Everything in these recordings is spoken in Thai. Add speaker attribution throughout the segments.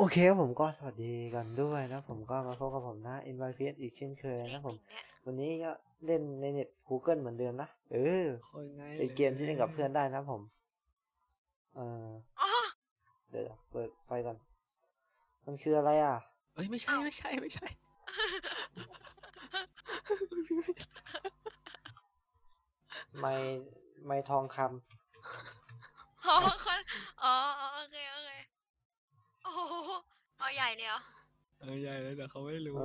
Speaker 1: โอเคครับผมก็สวัสดีกันด้วยนะผมก็มาพบกับผมนะ NYPS อีกเช่นเคย
Speaker 2: เล
Speaker 1: นะผม
Speaker 2: ขหนึ่งเนี่ย
Speaker 1: วันนี้ก็เล่นในเน็ต Google เหมือนเดิมนะ
Speaker 3: คนง่าย
Speaker 1: เป็น
Speaker 3: เล
Speaker 1: เกมที่เล่นกับเพื่อน
Speaker 3: ย
Speaker 1: ได้นะผมเออ
Speaker 2: อ๋อ
Speaker 1: เดี๋ยวเปิดไฟก่อนมันคืออะไรอ่ะ
Speaker 3: เอ้ยไม่ใช่
Speaker 2: อ้าว
Speaker 3: ไม่ใช่ไม่ใช่
Speaker 1: ไม้ไม้ทองค
Speaker 2: อ๋อคนอ๋อโอเคโอเคโอ้โหเอาใหญ่เลยเหรอ
Speaker 3: ใหญ่เลยแต่เขาไม่
Speaker 1: ำ
Speaker 3: รู้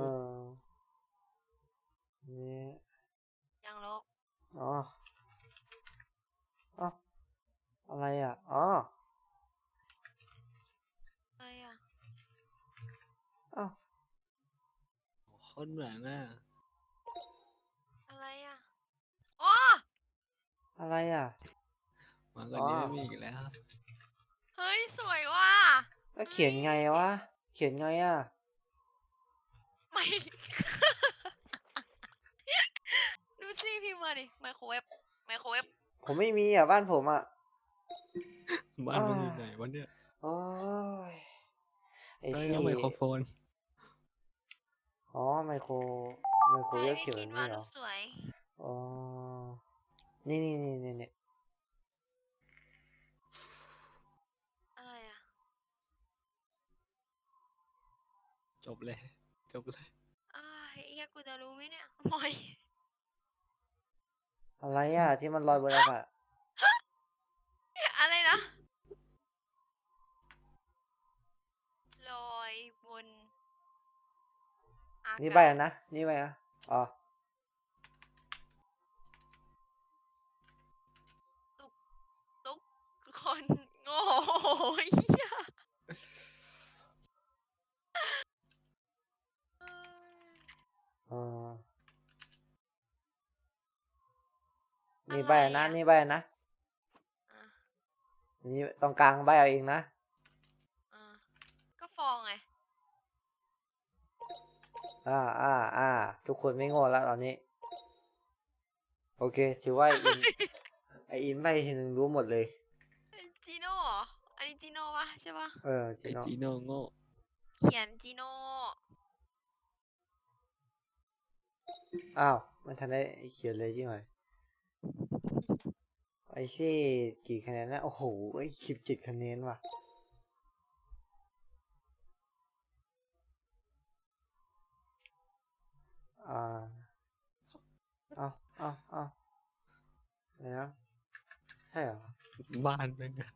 Speaker 1: นี่
Speaker 2: ยังลก
Speaker 1: อ๋ออ๋ออะไรอ่ะอ๋อ
Speaker 2: อะไรอ่ะ
Speaker 1: อ๋อ
Speaker 3: คนเหมือนน่ะ
Speaker 2: อะไรอ่ะอ๋อ
Speaker 1: อะไรอ่ะ
Speaker 3: มากกว่า
Speaker 1: อ๋อ
Speaker 3: นี้ไม่มีอีกแล้ว
Speaker 2: เฮ้ยสวยว่ะ
Speaker 1: แล้ว
Speaker 2: เฮ้ย
Speaker 1: เขียนไงวะเขียนไงอ่ะ
Speaker 2: ไม่ดูสิพิมพ์มาดิไมโครเวฟไมโครเวฟ
Speaker 1: ผมไม่มีอ่ะบ้านผมอ่ะ
Speaker 3: บ้าน
Speaker 1: อ้า
Speaker 3: มันอยู่ไหนวะเนี่ย
Speaker 1: โอ้ยไอ้
Speaker 3: ต้อง
Speaker 1: ที่
Speaker 3: เอาไมโครโฟน
Speaker 1: อ๋อไมโคร
Speaker 2: ใช่
Speaker 1: เวฟเขียนแบ
Speaker 2: พี่คิดว่า
Speaker 1: บนี้เหรอ
Speaker 2: รูปสวย
Speaker 1: อ๋อนี่
Speaker 2: อะไรอ่ะ
Speaker 3: จบเลยจบเลย
Speaker 2: อ้ายเฮียกูจะรู้ไหมเนี่ยมอย
Speaker 1: อะไรอ่ะที่มันลอยบนอากาศ
Speaker 2: อะไรนะลอยบนอา
Speaker 1: นี่ใบ
Speaker 2: กาศ
Speaker 1: อ่ะนะนี่ใบอ่ะอ๋อ
Speaker 2: ตุกตุกคนโง่เหี้ย
Speaker 1: อ๋อนี่
Speaker 2: อะไร
Speaker 1: ใบอ่ะนะ
Speaker 2: อ่ะ
Speaker 1: นี่ใบอ่ะนะ
Speaker 2: อ่ะ
Speaker 1: นี่ตรงกลางใบเอาเองนะ
Speaker 2: อ่ะก็ฟองไง
Speaker 1: อ่าทุกคนไม่โง่แล้วตอนนี้โอเคถือว่าไออินใบทีนึงรู้หมดเลย
Speaker 2: จีโน่เหรออันนี้จีโน่ปะใช่ปะ
Speaker 1: จีโน่
Speaker 3: ไอจีโน่โง่
Speaker 2: เขียนจีโน่
Speaker 1: อ้าวมันทันได้เขียนเลยจริงเหรอไอซี่กี่คะแนนนะโอ้โห17 คะแนนว่ะอ่าเอาอะไรนะใช่เหรอ
Speaker 3: บ้านเป็นไง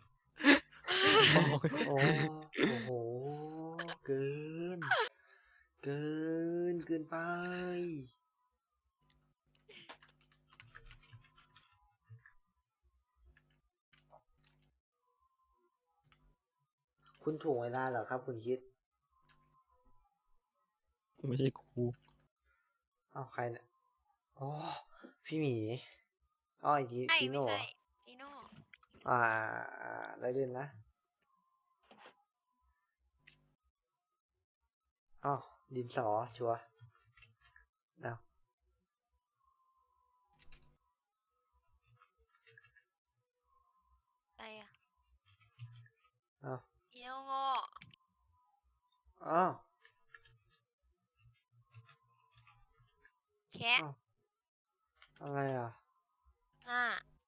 Speaker 1: โอ้โหเกิน เกิเกินไป คุณถ่วงเวลาเหรอครับคุณคิด
Speaker 3: ไม่ใช่ครู
Speaker 1: อ้าวใครเนี่ยอ๋อพี่หมีอ๋อไอจี
Speaker 2: ใช่
Speaker 1: จีโน่เหรอ
Speaker 2: ไม่ใช่จีโน่
Speaker 1: อ่าได้เล่นนะอ๋อดินสอชัวร์อ้าว
Speaker 2: อะไรอ่ะ
Speaker 1: อ้าว
Speaker 2: จีโน่โง่
Speaker 1: อ้าว
Speaker 2: แคะ
Speaker 1: อ้าวอะไรอ่ะ
Speaker 2: หน้า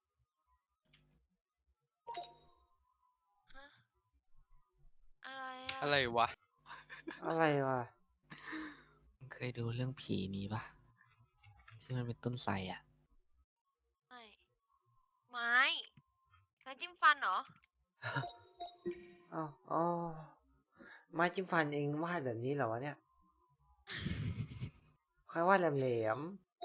Speaker 2: ฮะอะไรอ่ะ
Speaker 4: อะไรวะ
Speaker 1: อะไรวะ
Speaker 3: เคยดูเรื่องผีนี้ปะที่มันเป็นต้นไทรอ่ะ
Speaker 2: ไม่ไม้ไม้จิ้มฟันเหรอ
Speaker 1: อ้าวอ๋อไม้จิ้มฟันเองวาดแบบนี้เหรอวะเนี่ยใครวาดแหลม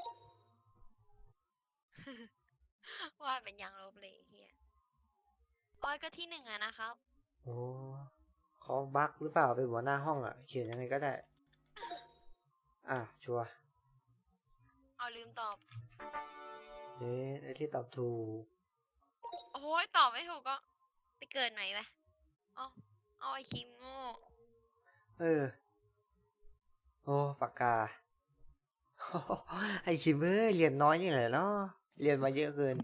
Speaker 2: ว่าเป็นยางลบเลยเฮียอ้อยก็ที่หนึ่งอะนะครับ
Speaker 1: ๆโอ้เขาบั๊กหรือเปล่าเป็นหัวหน้าห้องอ่ะเขียนยังไงก็ได้ชัวร์
Speaker 2: เอาลืมตอบ
Speaker 1: ไอ้ที่ตอบถูก
Speaker 2: โอ้ยตอบไม่ถูกก็ไปเกิดไหนไปเอาเอาไอคิมโง่
Speaker 1: เออโอ้ปากกาไอคิมเรียนน้อยนี่แหละเนาะเรียนมาเยอะเกิน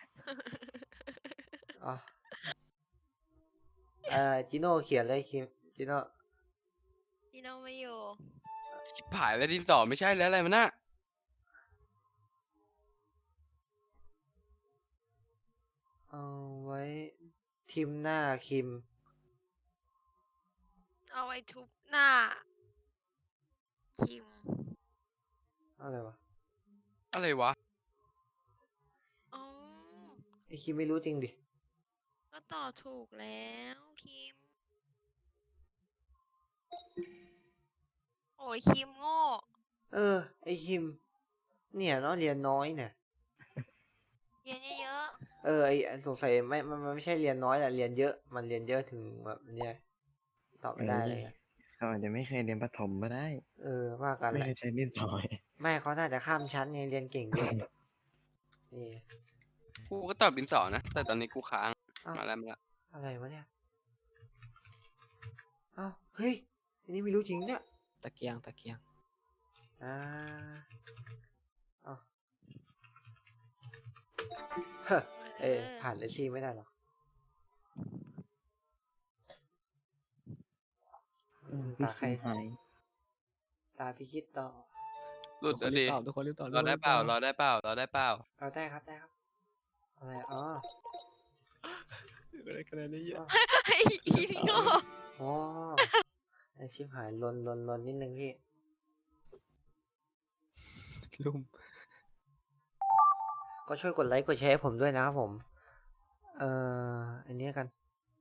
Speaker 1: อ๋อจิโน่เขียนเลยคิมจิโน่
Speaker 2: จีโน่ไม่อยู่
Speaker 4: ชิบหายแล้วดินสอไม่ใช่แล้วอะไรมันน่ะ
Speaker 1: เอาไว้ทิมหน้าคิม
Speaker 2: เอาไว้ทุบหน้า คิม
Speaker 1: อะไรวะ
Speaker 4: อะไรวะ
Speaker 2: อ๋อ
Speaker 1: ไอคิมไม่รู้จริงดิ
Speaker 2: ก็ตอบถูกแล้วคิม โอ้ยคิมโง่
Speaker 1: เออ ไอคิม เนี่ยเนาะเรียนน้อยเนี่ย
Speaker 2: เรียนเยอะ
Speaker 1: เออไอสงสัยมันไม่ใช่เรียนน้อยแหละเรียนเยอะ มันเรียนเยอะถึงแบบเนี่ยตอบไม่ได้เลยอะ
Speaker 5: เขาอาจจะไม่เคยเรียนประถมก็ได้
Speaker 1: เออว่ากัน
Speaker 5: ไม่
Speaker 1: แหละ
Speaker 5: เคยใช้ดินสอ
Speaker 1: ไม่เขาน่าจะข้ามชั้นไงเรียนเก่งด้วยนี่
Speaker 4: กูก็ตอบดินสอนะ แต่ตอนนี้กูค้าง
Speaker 1: อ้าว
Speaker 4: มาแล้วมาแล้ว
Speaker 1: อะไรวะเนี่ยอ้าวเฮ้ยอันนี้ไม่รู้จริงเนี่ย
Speaker 3: ตะเกียง
Speaker 1: อ่าอ้าวเฮ้อ
Speaker 2: ๆ
Speaker 1: เออผ่านเลยซี่ไม่ได้หรอกตาใคร
Speaker 5: หาย
Speaker 1: ตาพี่คิดต่อ
Speaker 4: หลุดแล้วดิ
Speaker 3: ทุกคนรีบตอบ
Speaker 4: รอได้เปล่ารอได้เปล่ารอได้เปล่า
Speaker 1: เอาได้ครับได้ครับ อะไรอ๋อ
Speaker 3: ได้คะแนนได้เยอะ
Speaker 2: ไอ้อีโง่
Speaker 1: อ๋อไอชิบหายลนนิดนึงพี่
Speaker 3: ลุ่ม
Speaker 1: ก็ช่วยกดไลค์กดแชร์ให้ผมด้วยนะครับผม อันนี้กัน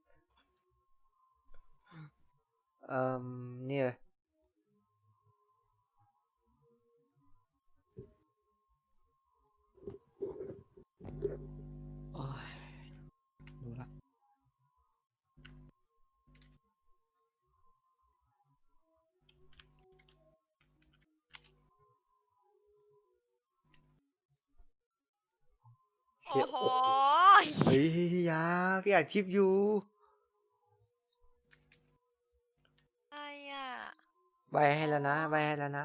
Speaker 1: เนี่ย
Speaker 3: โอ้ยรู้ละ
Speaker 1: เชี่
Speaker 2: โอ้
Speaker 1: ย
Speaker 2: โห
Speaker 1: เฮ้ยอยาพี่อัดคลิปอยู่
Speaker 2: อะไรอ่ะ
Speaker 1: ใบให้แล้วนะใบให้แล้วนะ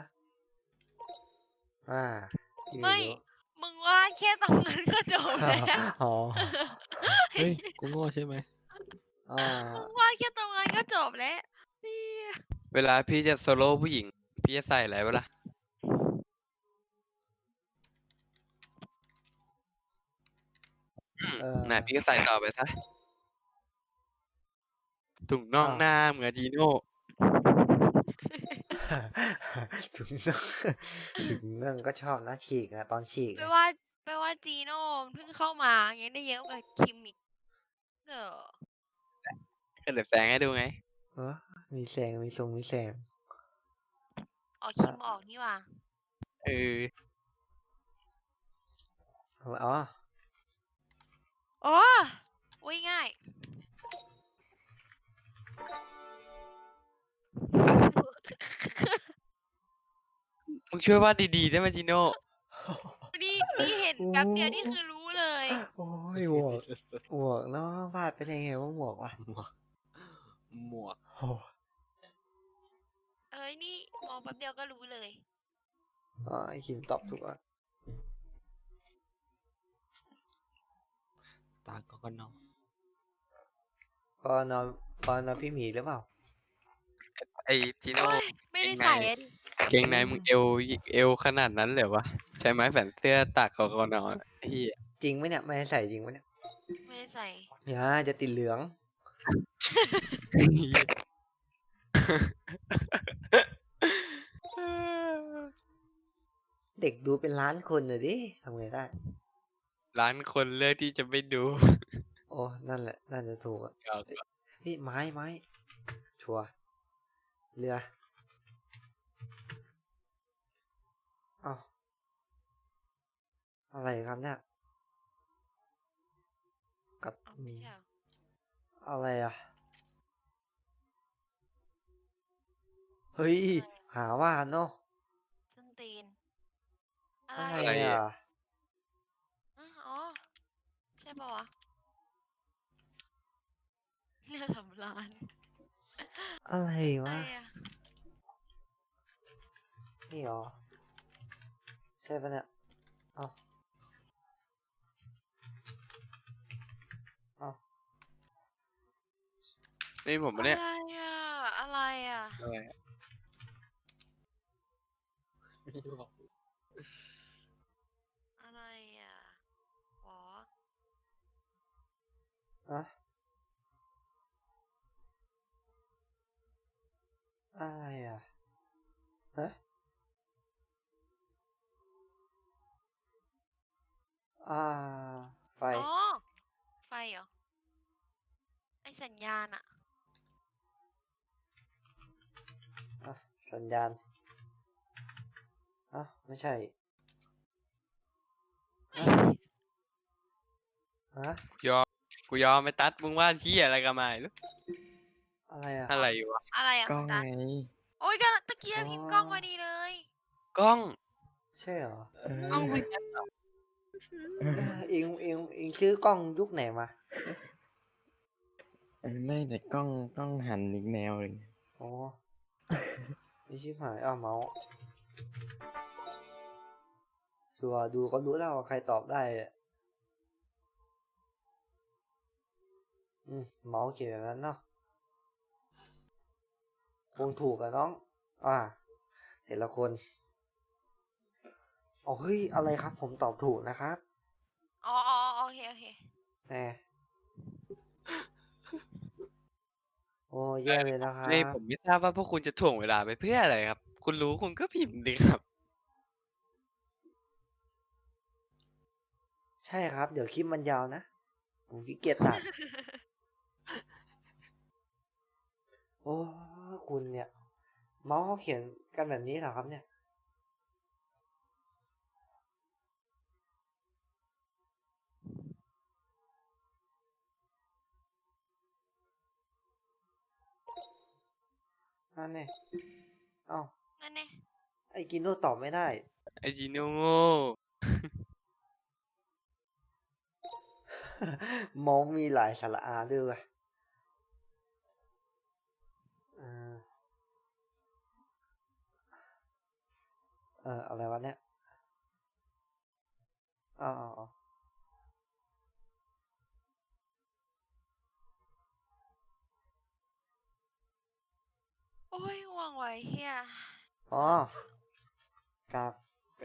Speaker 1: พี่
Speaker 2: ไม่
Speaker 1: รู้
Speaker 2: มึงว่าแค่ตรงนั้นก็จบแล้ว
Speaker 1: อ๋อ
Speaker 3: เฮ้ย กูโง่ใช่ไหม
Speaker 1: อ่า
Speaker 2: มึงว่าแค่ตรงนั้นก็จบแล้วเหี้ย
Speaker 4: เวลาพี่จะโซโล่ผู้หญิง พี่จะใส่อะไรวะล่ะ ไหนพี่ก็ใส่ต่อไปซะถุงน่อง
Speaker 1: อ้าว
Speaker 4: หน้าเหมือนจีโน่
Speaker 1: ถึงนั่งถึงนั่งก็ชอบนะฉีกนะตอนฉีก
Speaker 2: แปลว่าจีโน่เพิ่งเข้ามายังได้เยอะกว่าคิมอีกเออ
Speaker 4: ก็เดี๋ยวแซงให้ดูไง
Speaker 1: เออมีแสงมีทรงมีแสง
Speaker 2: อ๋อคิมออกนี่หว่า
Speaker 4: เออ
Speaker 1: อ๋อ
Speaker 2: อ๋ออุ้ยง่าย
Speaker 4: มึงช่วยว่าดดีๆได้ไหมจีโน่
Speaker 2: นี่เห็นแป๊บเดียวนี่คือรู้เลย
Speaker 1: โอ้ยหมวกหมวกเนาะวาดไปได้ไงว่าหมวกวะ
Speaker 3: หมวก
Speaker 1: โอ้
Speaker 2: เอ้ยนี่มองแป๊บเดียวก็รู้เลย
Speaker 1: อ๋อไอคิมตอบถูกอ่ะ
Speaker 3: ตาก็นอน
Speaker 1: ก็นอนก็นอนพี่หมีหรือเปล่า
Speaker 4: ไอจีโน่
Speaker 2: โอ้ยไม่ได้ใส่อะดิ
Speaker 4: เกงในมึงเอวขนาดนั้นเลยเหรอวะ ใช้ไม้แขวนเสื้อตากคอนอนไอ้เหี้ย
Speaker 1: จริงไหมเนี่ยไม่ให้ใส่จริงไหมเนี่ย
Speaker 2: ไม่ได้ใส่
Speaker 1: อย่าจะติดเหลือง เด็กดูเป็นล้านคนเลยดิทำไงได้
Speaker 4: ร้านคนเลือกที่จะไม่ดู
Speaker 1: โอ้นั่นแหละน่าจะถูกอ่ะ
Speaker 4: เอา
Speaker 1: พี่ไม้ชัวร์เรืออ้าวอะไรครับเนี่ยกับ
Speaker 2: อ๋อไม่ใช่เหรอ
Speaker 1: อะไรอ่ะ เฮ้ย หาว่าเนาะ
Speaker 2: ส้นตีน อะไร
Speaker 1: อะไรอ่ะ
Speaker 2: อ๋อ ใช่ปะวะเรือสำราญ
Speaker 1: อะไร
Speaker 2: อะไร
Speaker 1: วะ
Speaker 2: อ่ะ
Speaker 1: นี่หรอ ใช่ปะเนี่ยเอ้าเอ้า
Speaker 4: นี่ผม
Speaker 2: อะ
Speaker 4: ปะ
Speaker 2: ไร
Speaker 4: เนี่ย
Speaker 2: อ่ะ อะไรอ่ะ
Speaker 4: อะไรอะ
Speaker 3: ไม่บอก
Speaker 2: อะไรอ่ะหรอ
Speaker 1: อะอะไรอ่ะฮะอ่าไฟ
Speaker 2: อ๋อ ไฟเหรอ ไอสัญญาณอ่ะ
Speaker 1: อ่ะสัญญาณอ่ะไม่ใช่ฮะฮะ
Speaker 4: ยอมกูยอมไม่ตัดมึงว่าที่อะไรกันมาลูก
Speaker 1: อะไรอ่ะ
Speaker 4: อะไรวะ
Speaker 2: อะไรอ่ะ
Speaker 5: กล้
Speaker 2: คุ
Speaker 5: อง
Speaker 2: ณตัน
Speaker 5: ไง
Speaker 2: โอ้ยก็ตะเกียบ
Speaker 1: อ๋อ
Speaker 2: พิมพ์กล้องพอดีเลย
Speaker 4: กล้อง
Speaker 1: ใช่เหรอ
Speaker 5: เอก
Speaker 4: ล้อง
Speaker 5: อ
Speaker 4: ไม่งั้นเหรอ
Speaker 1: เองซื้อกล้องยุคไหนมา
Speaker 5: ไม่แต่กล้องหันอีกแนวเลย
Speaker 1: อ๋อไม่ชิบหายอ้าวเมาส์ชัวร์ดูก็รู้แล้วว่าใครตอบได้อะเมาส์เขียนแบบนั้นเนาะคงถูกอะน้อง แต่ละคนอ๋อเฮ้ย อะไรครับ ผมตอบถูกนะครับ
Speaker 2: อ๋ออ๋อโอเค โอเค
Speaker 1: แน่โอ้แย่เลยนะครั
Speaker 4: นี่
Speaker 1: บ
Speaker 4: ผมไม่ทราบว่าพวกคุณจะถ่วงเวลาไปเพื่ออะไรครับ คุณรู้คุณก็พิมพ์ดิครับ
Speaker 1: ใช่ครับ เดี๋ยวคลิปมันยาวนะ ผมขี้เกียจตัด โอ้คุณเนี่ย เมาส์เขาเขียนกันแบบนี้เหรอครับเนี่ย นั่นเนี่ยเอ้า
Speaker 2: นั่นไง
Speaker 1: ไอ้กินโนตอบไม่ได้
Speaker 4: ไอจีโนโง่
Speaker 1: เมาส์มีหลายสระอาด้วยว่ะเอออะไรวะเนี่ยอ๋อ
Speaker 2: โอ้ยง่วงไว้เฮีย
Speaker 1: อ๋อ กาเฟ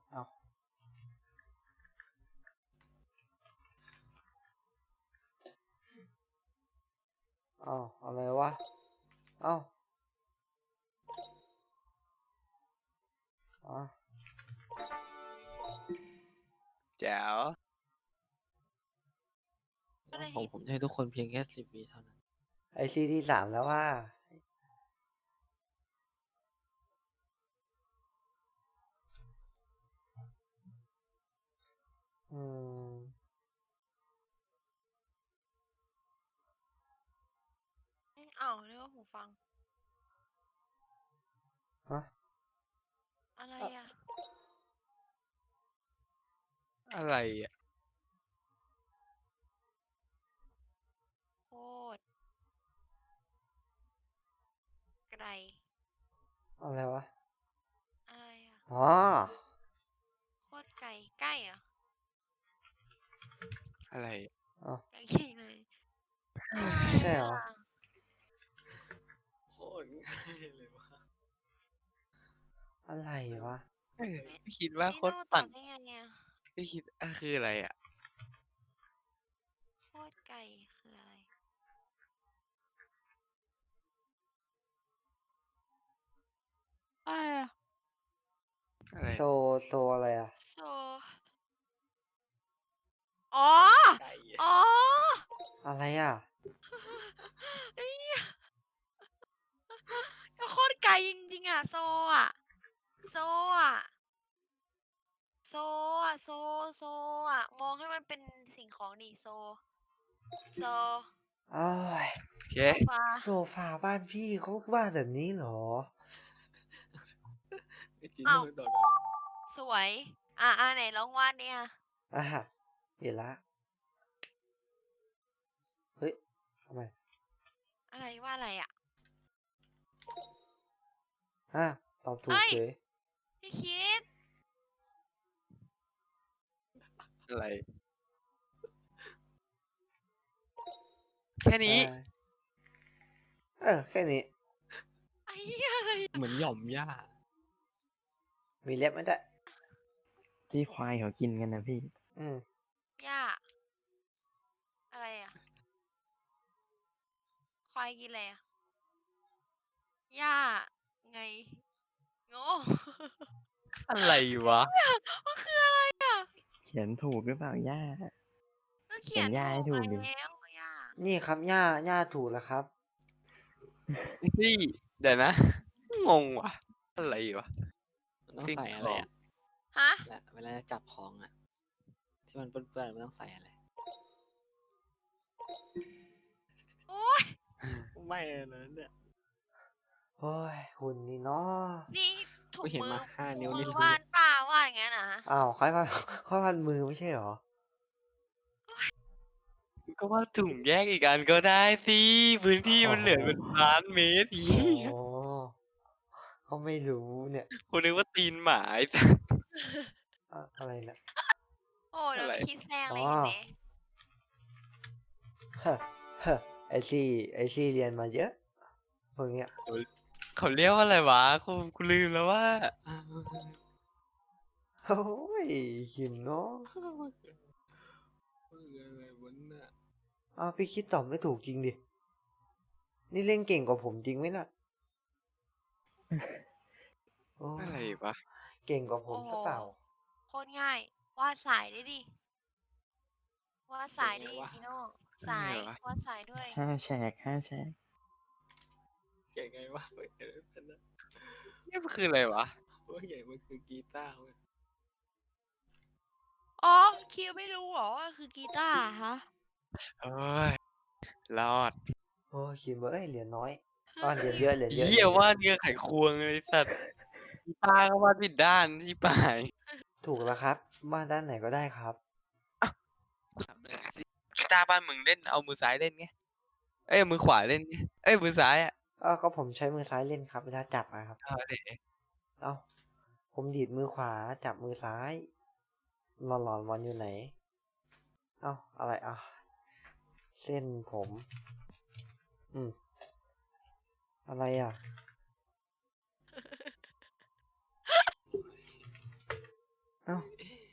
Speaker 1: เอ้าอะไรวะ เอ้าอ๋อ
Speaker 4: แจ๋ว
Speaker 2: ก็ได้
Speaker 3: ของ
Speaker 2: เห็น
Speaker 3: ผมจะให้ทุกคนเพียงแค่10 วิเท่านั้น
Speaker 1: ไอซีที่3แล้วว่า อืม
Speaker 2: อ้าวนึกว่าหูฟัง
Speaker 1: ฮะ
Speaker 2: อะไรอ่ะ
Speaker 4: อะไรอ่ะ
Speaker 2: โคตรไกล
Speaker 1: อะไรวะ
Speaker 2: อะไรอ่ะ
Speaker 1: อ๋อ
Speaker 2: โคตรไกล ใกล้เหรอ่ะ
Speaker 4: อะไร
Speaker 1: อ๋อ
Speaker 2: ใกล้ขี้เลย
Speaker 1: ใช่เหรอ
Speaker 3: โคตรง่ายเลยวะ
Speaker 1: อะไรวะ
Speaker 4: ไม่คิดว่า
Speaker 2: นี่
Speaker 4: โค
Speaker 2: โน่
Speaker 4: ตร
Speaker 2: ตอ
Speaker 4: ปั่
Speaker 2: บ
Speaker 4: น
Speaker 2: ได้ไงเนี่ย
Speaker 4: ไม่คิดคืออะไรอ่ะ
Speaker 2: โคตรไกลคืออะไร อะไรอ่ะ
Speaker 4: อะไร
Speaker 1: โซอะไรอ่ะ
Speaker 2: โซ อ๋อ
Speaker 3: ไก่
Speaker 2: อ๋อ
Speaker 1: อะไรอ่ะ
Speaker 2: ไอ้เหี้ยก็โคตรไกลจริงๆอ่ะ โซอ่ะ โซอ่ะ โซอ่ะ โซ โซอ่ะ มองให้มันเป็นสิ่งของดิโซ โซ
Speaker 1: อ้าย
Speaker 4: โอเค
Speaker 2: โซฟา
Speaker 1: โซฟาบ้านพี่เขาวาดแบบนี้เหรอ
Speaker 3: ไอจี
Speaker 2: อ้าว
Speaker 3: โน่ตอบได้
Speaker 2: สวย ไหนลองวาดเนี่ย
Speaker 1: อ่ะเห็นละ เฮ้ยทำไม
Speaker 2: อะไรวาดอะไรอ่ะ
Speaker 1: ตอบถูก
Speaker 2: เฮ้ย
Speaker 1: เฉย
Speaker 2: พี่คิด
Speaker 4: อะไร แค่นี้
Speaker 1: แค่นี้
Speaker 2: เหี้ยอะไรอะ
Speaker 3: เหมือนหย่อมหญ้า
Speaker 1: มีเล็บไหมด้วย
Speaker 5: ที่ควายเขากินกันนะพี่
Speaker 1: อืม
Speaker 2: หญ้าอะไรอ่ะควายกินอะไรอ่ะหญ้าไงโง่
Speaker 4: อะไรวะ
Speaker 2: มันคืออะไรอ่ะ
Speaker 5: เขียนถูกหรือเปล่าย่า
Speaker 2: ก็
Speaker 5: เขี
Speaker 2: เขี
Speaker 5: ย
Speaker 2: ย
Speaker 5: น
Speaker 2: น
Speaker 5: หญ้าให้ถู
Speaker 2: ถู
Speaker 5: ก
Speaker 2: ก
Speaker 5: ดิ
Speaker 2: แล้วหญ้า
Speaker 1: นี่ครับหญ้าถูกแล้วครับ
Speaker 4: นี่เดี๋ยวนะ งงว่ะ อะไรวะ
Speaker 3: มันต้อง
Speaker 4: สิ่ง
Speaker 3: ใส่
Speaker 4: ข
Speaker 3: อะไร
Speaker 4: อง
Speaker 3: อ่ะ
Speaker 2: ฮะ
Speaker 3: และเวลาจะจับของอ่ะ ที่มันเปื้อนๆมันต้องใส่อะไร
Speaker 2: โอ้ย
Speaker 3: ไม่นะเนี่ย
Speaker 1: โอ้ยหุ่นนี่เนาะ
Speaker 2: นี่ถุง
Speaker 3: กูเห็น
Speaker 2: มือ
Speaker 3: มาห้า
Speaker 2: ถุง
Speaker 3: นิ้ว
Speaker 2: มื
Speaker 3: นี่
Speaker 2: อ
Speaker 3: รู้
Speaker 2: วา
Speaker 3: เล
Speaker 2: ด
Speaker 3: ย
Speaker 2: เปล่าวาดอย่างนั้นนะ
Speaker 1: อ้าวค่อยพัน ค่อยพันมือไม่ใช่เหรอ
Speaker 4: ก็ว่าถุงแยกอีกอันก็ได้สิ พื้นที่มันเหลือเป็นล้านเมตร
Speaker 1: โอ้
Speaker 4: เหี้ย
Speaker 1: เขาไม่รู้เนี่ย
Speaker 4: กูนึกว่าตีนหมาไอ้สัส
Speaker 1: อะไรเนี่ย
Speaker 2: โอ้เดี๋ยว
Speaker 4: อะไร
Speaker 2: คิดแซงเลย
Speaker 1: อ๋อ
Speaker 2: เห็นไหม
Speaker 1: เฮ้อเฮ้อไอซี่เรียนมาเยอะพวกเนี้ย
Speaker 4: เขาเรียกว่าอะไรวะกูลืมแล้วว่า
Speaker 1: โอ้ยขิมเนาะ
Speaker 3: อะไรวะน่ะ
Speaker 1: อ้าวพี่คิดตอบไม่ถูกจริงดิ นี่เล่นเก่งกว่าผมจริงไหมน่ะโอ้
Speaker 4: อะไรวะ
Speaker 1: เก่งกว่าผม
Speaker 2: โอ้โห
Speaker 1: ซะเปล่า
Speaker 2: โคตรง่าย วาดสายได้ดิ วาดสายได้ดิจิโน่สาย
Speaker 4: อะไรวะ
Speaker 2: วาดสายด้วย
Speaker 5: 5 แฉก 5 แฉก
Speaker 3: เก่งไงวะไม่เห็นเป็นนะ
Speaker 4: นี่มันคืออะไรวะ
Speaker 3: ว่าใหญ่มันคือกีตาร์เว้ย
Speaker 2: อ๋อ คิวไม่รู้เหรอว่าคือกีตาร์ฮะ
Speaker 4: โอ้ย รอด
Speaker 1: โอ้ยขิมเอ้ยเหรียญน้อยเหรียญเยอะเหรียญเยอะ
Speaker 4: เหี้ยว่าดเนื้อไขควงเลยสัตว์กีตาร์ก็วาดผิดด้านที่ปลาย
Speaker 1: ถูกแล้วครับมาด้านไหนก็ได้ครับ
Speaker 4: กูถามเลยสิกีตาร์บ้านมึงเล่นเอามือซ้ายเล่นไง เอ้ยมือขวาเล่นไง เอ้ยมือซ้ายอ่ะ
Speaker 1: ก็ผมใช้มือซ้ายเล่นครับเวลาจับอะครับ
Speaker 4: เอาดิ
Speaker 1: เอ้าผมดีดมือขวาจับมือซ้ายหลอนวันอยู่ไหน เอ้าอะไรเส้นผม อะไรอ่ะ เอ้า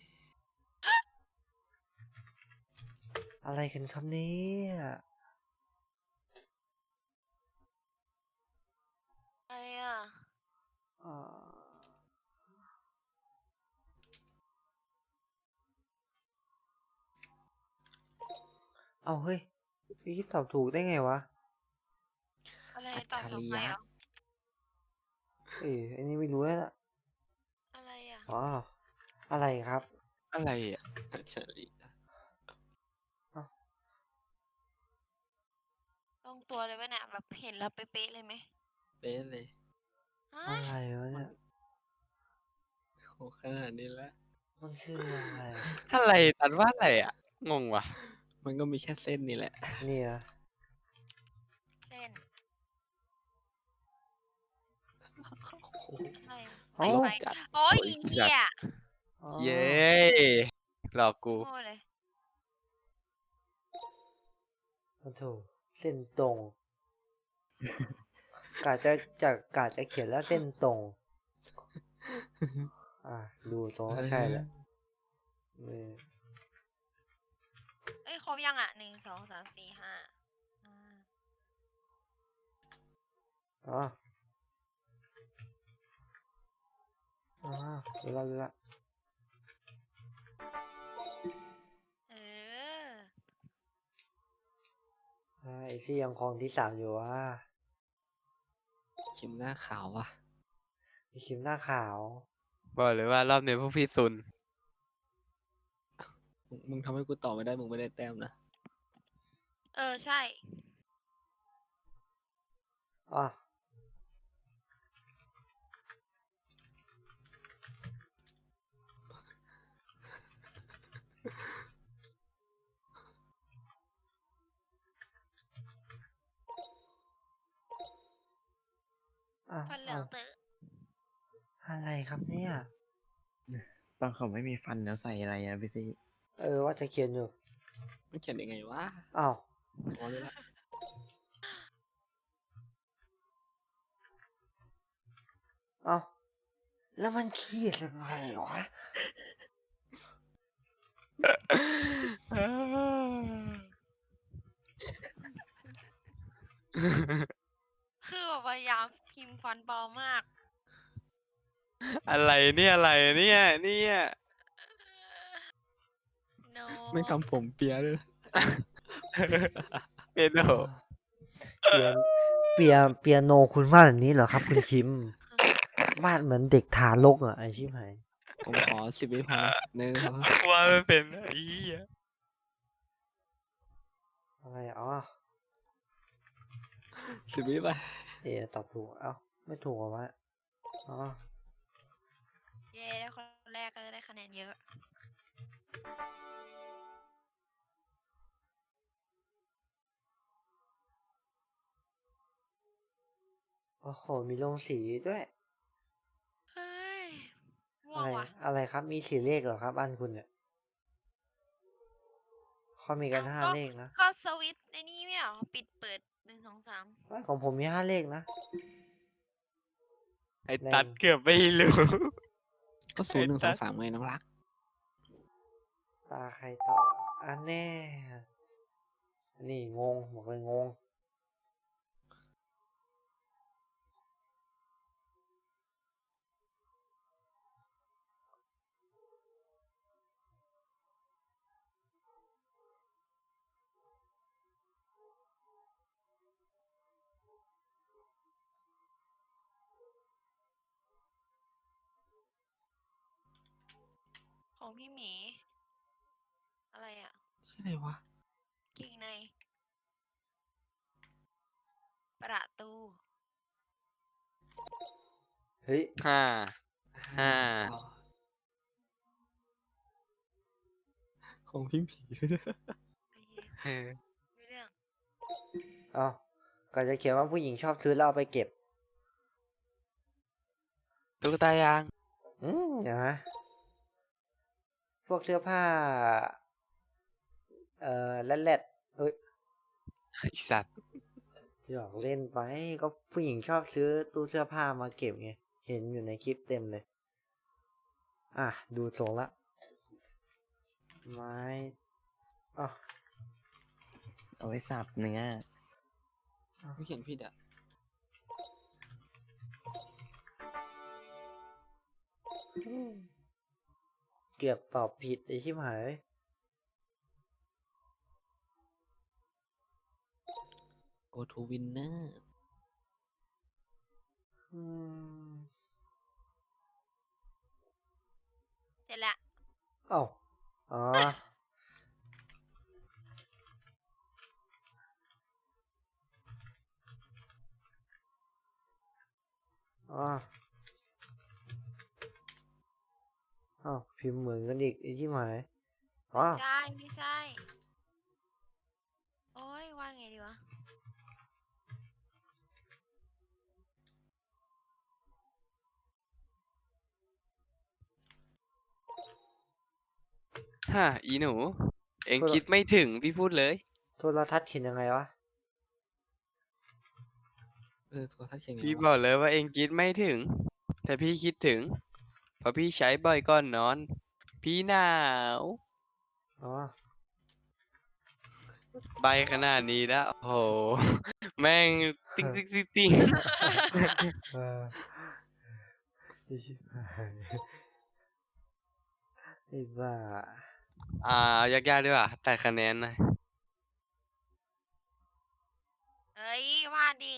Speaker 1: อะไรกันครับเนี่ย
Speaker 2: อะไรอ่ะ
Speaker 1: อ่าเอาเฮ้ยพี่คิดตอบถูกได้ไงวะ
Speaker 2: อะไร
Speaker 3: อัจ
Speaker 2: ตอบ
Speaker 3: ฉ
Speaker 2: ส
Speaker 3: ริ
Speaker 2: มัย
Speaker 3: ยะ
Speaker 2: เหรอ
Speaker 1: อันนี้ไม่รู้แล้วล่ะ
Speaker 2: อะไรอ่ะ
Speaker 1: อ๋ออะไรครับ
Speaker 4: อะไรอ่ะ
Speaker 3: อัจฉริยะ
Speaker 2: ตรงตัวเลยไหมเนี่ยแบบเห็นแล้วเป๊ะๆเลยไหม
Speaker 3: เป๊ะเลย
Speaker 2: ฮะ
Speaker 1: อะไรวะเนี่ย
Speaker 3: โหขนาดนี้แล้ว
Speaker 1: มันคืออะไร
Speaker 4: อะไรตันว่าอะไรอ่ะ งงว่ะ
Speaker 3: มันก็มีแค่เส้นนี่แหละ
Speaker 1: เนี่ย
Speaker 2: เส้น
Speaker 3: โอ้โห
Speaker 2: อะไรอะ
Speaker 1: เอ้า
Speaker 2: สายไฟ
Speaker 3: จัด
Speaker 2: โอ้ย
Speaker 4: โอ้ย
Speaker 2: อีเหี้ย
Speaker 1: อ๋อ
Speaker 4: เย้หลอกกู
Speaker 2: โง่เลย
Speaker 1: โอ้โถเส้นตรง กาจะเขียนแล้วเส้นตรง ดูทรงก็ใช่แหละเออ
Speaker 2: เอ้ยครบยังอ่ะ1 2 3 4 5
Speaker 1: อ๋อรู้ละ
Speaker 2: เออ
Speaker 1: ไอ้ที่ยังครองที่ 3อยู่ว่า
Speaker 3: คิมหน้าขาวว่ะ
Speaker 1: มีคิมหน้าขาว
Speaker 4: บอกเลยว่ารอบนี้พวกพี่ซุน
Speaker 3: มึงทำให้กูตอบไม่ได้ มึงไม่ได้แต้มนะ
Speaker 2: เออ ใช่
Speaker 1: อ่ะ
Speaker 2: ฟันเหลืองเตอะ
Speaker 1: อะไรครับเนี่ย
Speaker 5: ตอนเขาไม่มีฟันแล้วใส่อะไรอะพี่ซี่
Speaker 1: ว่าจะเขียนอยู่
Speaker 3: มันเขียนยังไงวะ
Speaker 1: อ้าว
Speaker 3: อ๋อรู้ละ
Speaker 1: เอ้าแล้วมันขีดยังไงวะ
Speaker 2: คือแบบพยายามพิมพ์ฟันปลอมมาก
Speaker 4: อะไรเนี่ยอะไรเนี่ย
Speaker 2: no
Speaker 3: ไม่ทำผมเปียด้วยนะ
Speaker 4: เป็นโห
Speaker 1: เปียเปียโนคุณวาดแบบนี้เหรอครับ คุณคิมวาดเหมือนเด็กทารกอ่ะไอชิบหาย
Speaker 3: ผมขอ10 วิพอหนึ่งสอง
Speaker 4: ว่าไม่เป็นไอ้เหี้ย
Speaker 1: อะไรอ๋อ
Speaker 3: 10 วิไป
Speaker 1: ตอบถูก เอ้า ไม่ถูกเหรอวะ อ๋อ
Speaker 2: เย้ได้คนแรกก็จะได้คะแนนเยอะ
Speaker 1: โอ้โห มีลงสีด้วย
Speaker 2: เฮ้ยง่ว
Speaker 1: อะ
Speaker 2: ง
Speaker 1: ไร
Speaker 2: ว่ะ
Speaker 1: อะไรครับ มีสีเลขเหรอครับบ้านคุณเนี่ยเขามีกัน
Speaker 2: เอ้า
Speaker 1: ห้า
Speaker 2: ก็
Speaker 1: เลขนะ
Speaker 2: ก็สวิตช์ในนี่ไม่เหรอปิดเปิด1 2 3
Speaker 1: เอ้ยของผมมี 5 เลขนะ
Speaker 4: ไอ้ตัดเกือบไม่รู้
Speaker 3: ก็0123ไงน้องรัก
Speaker 1: ตาใครต่ออันแน่ นี่งงบอกเลยงง
Speaker 2: ของพี่หมี อะไรอ่ะ
Speaker 3: ชื่ออะไรวะ
Speaker 2: เก่งใน ประตู
Speaker 1: เฮ้ย
Speaker 4: ห้า ห้า
Speaker 3: ต่อของพี่หมีด้วยนะ
Speaker 2: โอเค
Speaker 4: เออ
Speaker 2: ไม่เรื่อง
Speaker 1: เอ้าก็จะเขียนว่าผู้หญิงชอบซื้อแล้วเอาไปเก็บ
Speaker 4: ตุ๊กตายาง
Speaker 1: เดี๋ยวนะพวกเสื้อผ้า แรดเอ้ย
Speaker 4: ไอสัตว์
Speaker 1: หยอกเล่นไป ก็ผู้หญิงชอบซื้อตู้เสื้อผ้ามาเก็บไง เห็นอยู่ในคลิปเต็มเลย อ่ะ ดูทรงละ ไม้อ๋อ
Speaker 5: เอาไว้สับเนื้อ
Speaker 3: ไม่เขียนผิดอ่ะ
Speaker 1: เกือบตอบผิดไอชิบหาย
Speaker 3: go to winner
Speaker 1: อืม
Speaker 2: เสร็จละ
Speaker 1: เอ้าอ๋อ อ๋ออ้าวพิมพ์เหมือนกันอีกไอ้ที่หมายอ๋อ
Speaker 2: ใช่ ไม่ใช่ โอ้ยวาดไงดีวะ
Speaker 4: ฮะอีหนู เอ็ง
Speaker 1: โทษ
Speaker 4: คิดไม่ถึงพี่พูดเลย
Speaker 1: โทรทัศน์เขียนยังไงวะ
Speaker 3: ตัวถ้าเขียนไง
Speaker 4: พี่
Speaker 3: วะ
Speaker 4: บอกเลยว่าเอ็งคิดไม่ถึง แต่พี่คิดถึง เพราะพี่ใช้บ่อยก่อนนอน พี่หนาว
Speaker 1: อ๋อ
Speaker 4: ใบขนาดนี้แล้วโอ้โห แม่งติ้งติ้งติ้งติ้ง
Speaker 1: เออไอ้ชิบหายไอ้บ้า
Speaker 4: เอายากๆดีกว่าแต่คะแนนหน่อย
Speaker 2: เอ้ยวาดดิ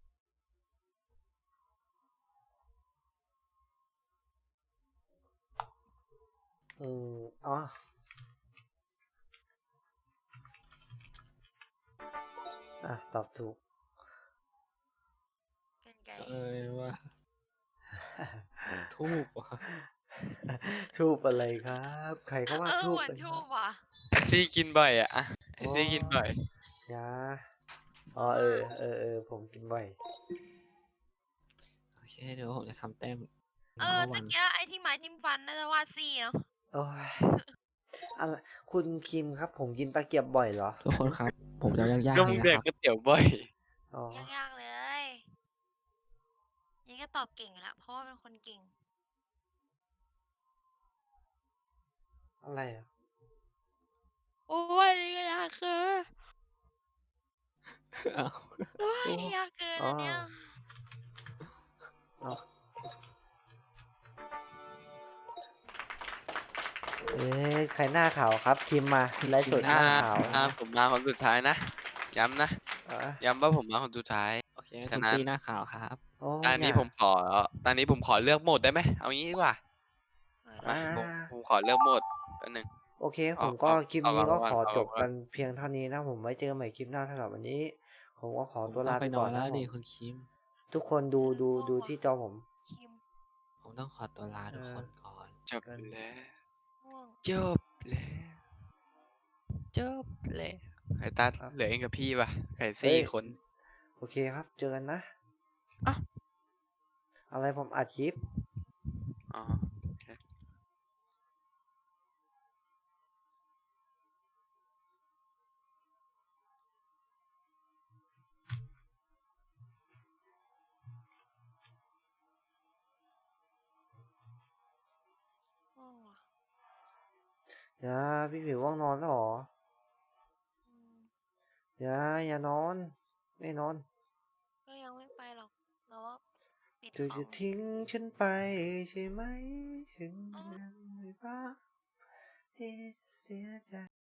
Speaker 1: อ๋อ อ่ะ ตอบถูก
Speaker 2: กันไกล
Speaker 3: ว่าทูบว่ะ
Speaker 1: ทูบอะไรครับ ใครเขาว่าทูบ
Speaker 2: เหมือน
Speaker 1: กัน
Speaker 2: ทูบว่ะ
Speaker 4: ไอซี่กินบ่อยอะไอซี่กินบ่อย
Speaker 1: ยาอ๋อ ผมกินบ่อย
Speaker 3: โอเคเดี๋ยวผมจะทำแต้ม
Speaker 2: ตะเกียไอ้ที่ไม้จิ้มฟันน่าจะวาดซี่เนาะ
Speaker 1: โอ้ยอะไรคุณคิมครับ ผมกินตะเกียบบ่อยเหรอ
Speaker 3: ทุกคนครับ ผมจะยากๆ
Speaker 4: ก็
Speaker 3: เล
Speaker 4: มึ
Speaker 3: ย
Speaker 4: ง
Speaker 3: นะ
Speaker 4: แด
Speaker 3: ค
Speaker 4: ก
Speaker 3: รับ
Speaker 4: ก๋วยเตี๋ยวบ่อย
Speaker 1: อ๋อ
Speaker 2: ยากๆเลยก็ตอบเก่งอยู่แล้วเพราะว่าเป็นคนเก่ง
Speaker 1: อะไรอ่ะ
Speaker 2: โอ้ยก็ยากเกิน
Speaker 3: อ้าว
Speaker 2: โอ้ย
Speaker 1: โอ้
Speaker 2: ยากเกิน
Speaker 1: อ๋อ
Speaker 2: อันเนี้ย
Speaker 1: เอาเอ๊ะใครหน้าขาวครับพิมพ์มาไลฟ์สดห
Speaker 4: อ่า
Speaker 1: น้าขาว
Speaker 4: ผมมาคนสุดท้ายนะ ย้ำนะ
Speaker 1: อ่ะ
Speaker 4: ย้ำว่าผมมาคนสุดท้าย
Speaker 3: โอเค
Speaker 4: ฉะ
Speaker 3: คุณ
Speaker 4: นั้น
Speaker 3: ซีหน้าขาวครับ
Speaker 1: โอ้
Speaker 4: ตอนนี้
Speaker 1: อย่า
Speaker 4: ตอนนี้ผมขอเลือกโหมดได้ไหม เอางี้ดีกว่า
Speaker 2: เออ
Speaker 4: มา
Speaker 1: อ่า
Speaker 4: ผมขอเลือกโหมดแป๊บนึง
Speaker 1: โอเค
Speaker 4: อ
Speaker 1: ผ
Speaker 4: อก
Speaker 1: มก็
Speaker 4: ออก
Speaker 1: คลิป
Speaker 4: ออก
Speaker 1: นี้ก็
Speaker 4: ก่อน
Speaker 1: ขอ
Speaker 4: ออก
Speaker 1: จบ
Speaker 4: ก่อ
Speaker 1: กัน นเพียงเท่านี้นะ ผมไว้เจอกันใหม่คลิปหน้าสำหรับวันนี้ ผมก็ขอ
Speaker 3: ผม
Speaker 1: ตัว
Speaker 3: ต้อ
Speaker 1: ลาง
Speaker 3: ไป
Speaker 1: ไป
Speaker 3: น
Speaker 1: ก่
Speaker 3: อ
Speaker 1: อน น
Speaker 3: แล้
Speaker 1: นะ
Speaker 3: ว
Speaker 1: ผ
Speaker 3: ดิ
Speaker 1: ม
Speaker 3: คุณคิม
Speaker 1: ทุกคนดูที่จอผม
Speaker 2: คิม
Speaker 3: ผมต้องขอตัวลาทุกคนก่อน
Speaker 4: จบ
Speaker 1: กัน
Speaker 4: แล้ว
Speaker 2: ง่วง
Speaker 4: จบแล้ว จบแล้วไอ้ตัด
Speaker 1: ครับ
Speaker 4: เหลือเองกับพี่ป่ะไข่
Speaker 1: เฮ้ย
Speaker 4: 4 คน
Speaker 1: โอเคครับ เจอกันนะ
Speaker 4: อ้าว
Speaker 1: อะไรผมอัดคลิป
Speaker 4: อ๋อ โอเค
Speaker 2: ง่วงว่ะ
Speaker 1: อย่า พี่ผิวว่างนอนแล้วเหรอ
Speaker 2: อืม
Speaker 1: อย่านอน ไม่นอน
Speaker 2: ก็ยังไม่ไปหรอกแต่ว่าปิด
Speaker 1: เธอ
Speaker 2: ขอ
Speaker 1: จะ
Speaker 2: ง
Speaker 1: ทิ้งฉันไปใช่ไหม ฉัน
Speaker 2: อ๋อ
Speaker 1: ยังไม่รักที่เสียใจ